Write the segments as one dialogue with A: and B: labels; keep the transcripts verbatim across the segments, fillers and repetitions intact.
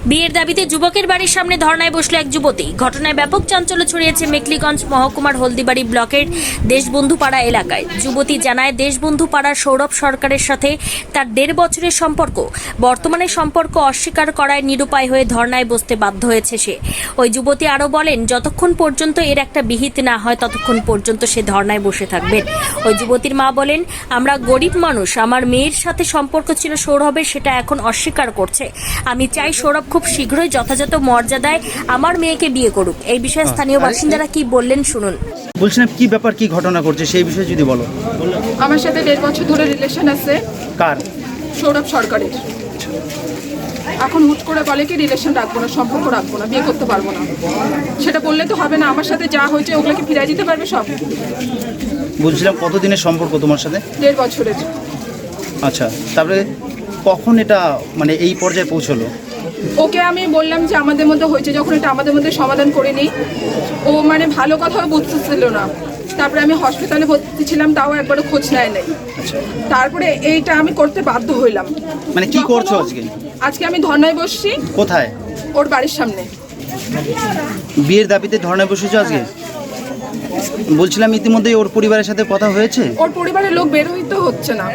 A: বিয়ের দাবিতে যুবকের বাড়ির সামনে ধর্নায় বসলো এক যুবতী। ঘটনায় ব্যাপক চাঞ্চল্য ছড়িয়েছে মেখলিগঞ্জ মহকুমার হলদিবাড়ি ব্লকের দেশবন্ধু পাড়া এলাকায়। যুবতী জানায়, দেশবন্ধু পাড়ার সৌরভ সরকারের সাথে তার দেড় বছরের সম্পর্ক। বর্তমানে সম্পর্ক অস্বীকার করায় নিরুপায় হয়ে ধর্নায় বসতে বাধ্য হয়েছে সে। ওই যুবতী আরও বলেন, যতক্ষণ পর্যন্ত এর একটা বিহিত না হয় ততক্ষণ পর্যন্ত সে ধর্নায় বসে থাকবেন। ওই যুবতীর মা বলেন, আমরা গরিব মানুষ, আমার মেয়ের সাথে সম্পর্ক ছিল সৌরভের, সেটা এখন অস্বীকার করছে। আমি চাই সৌরভ খুব শীঘ্রই যথাযথ মর্যাদায় আমার মেয়েকে বিয়ে করুক। এই বিষয়ে স্থানীয় বাসিন্দারা কি বললেন শুনুন।
B: বলছিলাম কি ব্যাপার, কি ঘটনা করছে সেই বিষয়ে যদি বলো।
C: আমার সাথে দেড় বছর ধরে রিলেশন আছে।
B: কার?
C: সৌরভ সরকারের। এখন হুট করে বলে কি রিলেশন রাখবো না, সম্পর্ক রাখবো না, বিয়ে করতে পারবো না। সেটা বললে তো হবে না। আমার সাথে যা হয়েছে ওগুলোকে ফিরিয়ে দিতে পারবে সব।
B: বলছিলাম কতদিনের সম্পর্ক তোমার সাথে?
C: দেড় বছরের।
B: আচ্ছা, তারপরে কখন এটা মানে এই পর্যায়ে পৌঁছলো?
C: ওকে আমি বললাম যে আমাদের মধ্যে হয়েছে, যখন এটা আমাদের মধ্যে সমাধান করে নিই। ও মানে ভালো কথাও বুঝতেছিল না। তারপরে আমি হসপিটালে ভর্তি ছিলাম, তাও একবারও খোঁজ নেয় নাই।
B: আচ্ছা,
C: তারপরে এইটা আমি করতে বাধ্য হইলাম।
B: মানে কি করছো আজকে?
C: আজকে আমি ধর্নায় বসছি।
B: কোথায়?
C: ওর বাড়ির সামনে।
B: বিয়ের দাবিতে ধর্নায় বসেছো আজকে? বলছিলাম ইতিমধ্যেই ওর পরিবারের সাথে কথা হয়েছে?
C: ওর পরিবারের লোক বের হইতে হচ্ছে না।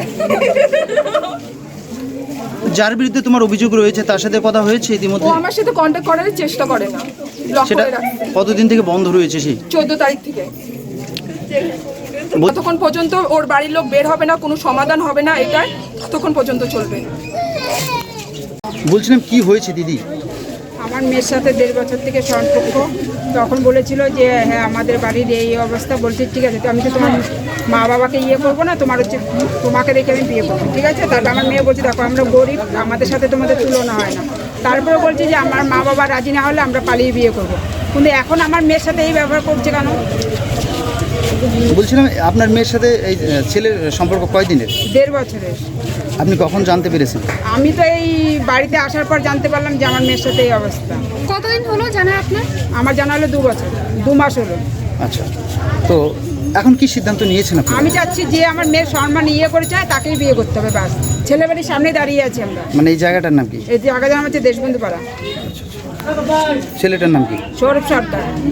B: যার বিরুদ্ধে তোমার অভিযোগ রয়েছে তার সাথে কথা হয়েছে
C: ও
B: ইতিমধ্যে?
C: আমার সাথে কন্ট্যাক্ট করার চেষ্টা করে না। ব্লক
B: সেটা
C: করে রাখছে
B: কতদিন থেকে বন্ধ রয়েছে? সেই
C: চোদ্দ তারিখ থেকে।
B: বল-
C: ততক্ষণ পর্যন্ত ওর বাড়ির লোক বের হবে না, কোনো সমাধান হবে না, এটা ততক্ষণ পর্যন্ত চলবে।
B: বলছিলাম কি হয়েছে দিদি?
D: আমার মেয়ের সাথে দেড় বছর থেকে সম্পর্ক। তখন বলেছিল যে হ্যাঁ আমাদের বাড়ির এই অবস্থা। বলছি ঠিক আছে, তো আমি তো তোমার মা বাবাকে ইয়ে করবো না, তোমার হচ্ছে তোমাকে রেখে আমি বিয়ে করবো, ঠিক আছে। তারপর আমার মেয়ে বলছে দেখো আমরা গরিব, আমাদের সাথে তোমাদের তুলনা হয় না। তারপরে বলছি যে আমার মা বাবা রাজি না হলে আমরা পালিয়ে বিয়ে করবো। কিন্তু এখন আমার মেয়ের সাথে এই ব্যবহার করছে কেন?
B: বলছিলাম আপনার মেয়ের সাথে এই আহ, ছেলের সম্পর্ক কয়দিনের?
D: দেড় বছরের।
B: আপনি কখন জানতে পেরেছেন?
D: আমি তো এই বাড়িতে আসার পর জানতে পারলাম যে আমার মেয়ের সাথে এই অবস্থা।
E: কতদিন হলো জানা আপনার?
D: আমার জানা হলো দু বছর, দু মাস হলো।
B: আচ্ছা, তো এখন কি সিদ্ধান্ত নিয়েছেন আপনি?
D: আমি চাচ্ছি যে আমার মেয়ের সম্মান ইয়ে করে চায় তাকেই বিয়ে করতে হবে, ব্যাস। ছেলে বাড়ির সামনে দাঁড়িয়ে আছি আমরা।
B: মানে এই জায়গাটার নাম কি?
D: এই জায়গা নাম হচ্ছে দেশবন্ধু পাড়া।
B: ছেলেটার নাম কি?
D: সৌরভ সরকার।